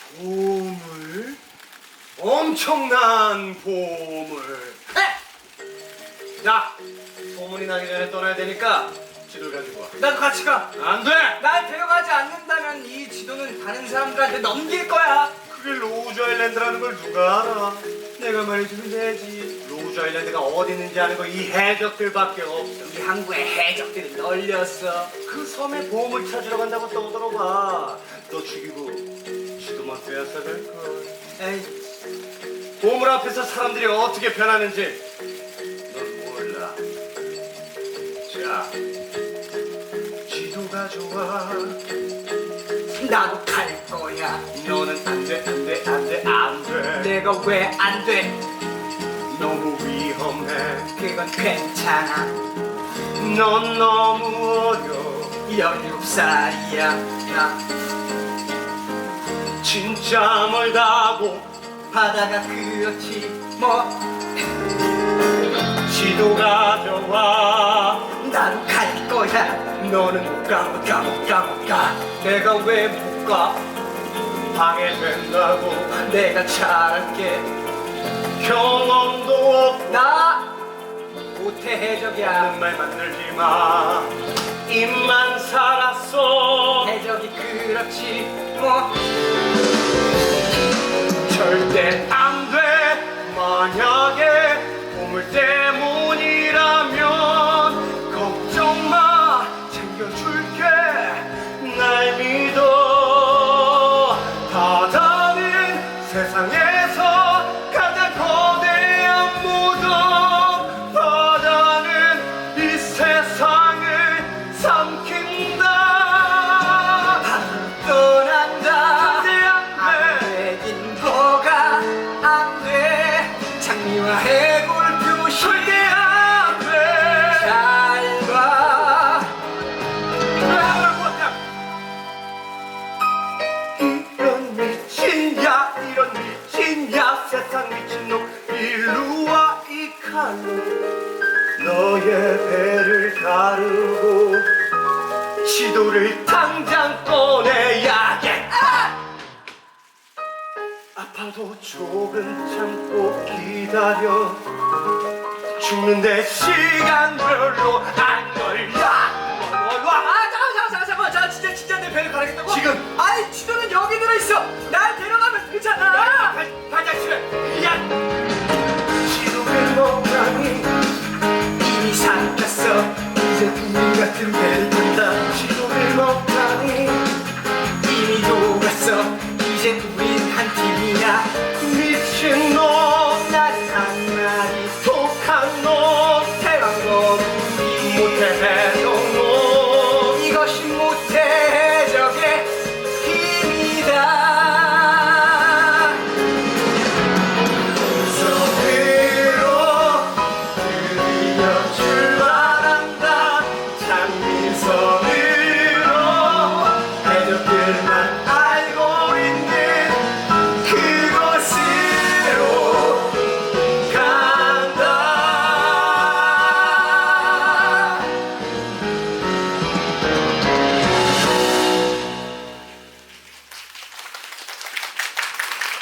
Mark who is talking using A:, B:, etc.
A: 보물? 엄청난 보물. 야, 소문이 나기 전에 떠나야 되니까 지도를 가지고 와.
B: 나도 같이 가.
A: 안 돼!
B: 날 데려가지 않는다면 이 지도는 다른 사람들한테 넘길 거야.
A: 그게 로우즈 아일랜드라는 걸 누가 알아? 내가 말해주면 되지. 로우즈 아일랜드가 어디 있는지 아는 거 이 해적들밖에 없어.
B: 우리 항구에 해적들이 널렸어.
A: 그 섬에 보물 찾으러 간다고 떠들어봐. 너 죽이고 지도만 빼앗아 갈걸.
B: 에이,
A: 보물 앞에서 사람들이 어떻게 변하는지 넌 몰라. 자, 지도가 좋아.
B: 나도 갈 거야.
A: 너는 안 돼, 안 돼, 안 돼, 안 돼.
B: 내가 왜 안 돼?
A: 너무 위험해.
B: 그건 괜찮아.
A: 넌 너무 어려.
B: 17살이야. 나
A: 진짜 멀다고.
B: 바다가 그렇지 뭐.
A: 지도가 좋아.
B: 나도 갈 거야.
A: 너는 못 가, 못 가, 못 가, 못 가.
B: 내가 왜 못 가?
A: 방해된다고.
B: 내가 잘할게.
A: 경험도 없고
B: 나 모태 해적이야.
A: 하는 말만 들지 마. 입만 살았어.
B: 해적이 그렇지 뭐.
A: 절대 안 돼. 만약에 보물 때문이라면 걱정 마. 챙겨줄게. 날 믿어. 바다는 세상에서 가장 거대한 무덤. 바다는 이 세상을 삼킨다.
B: 떠난다.
A: 절대 안 돼.
B: 되긴 뭐가 안 돼. 장미와 해골 표시
A: 절대 안 돼.
B: 잘 봐.
A: 이런 미친야, 이런 미친야. 세상 미친놈 일루와 이 칼로 너의 배를 가르고 지도를 당장 꺼내야겠다. 아파도 조금 참고 기다려. 죽는데 시간 별로 안 걸려.
B: 잠깐만. 자, 진짜 내 배를 가르겠다고?
A: 지금.
B: 아이, 지도는 여기 들어있어. 날 데려가면 되잖아.
A: 발자취를. 야! 지도를 먹다니
B: 이미 삼켰어.
A: 이제 우리 같은 배를 탄다. 지도를 먹다니
B: 이미 녹았어. 이제 우린 한 팀이야.
A: 미친놈.
B: 나는 한 마리
A: 독한 놈.
B: 대왕 거북이.
A: 못해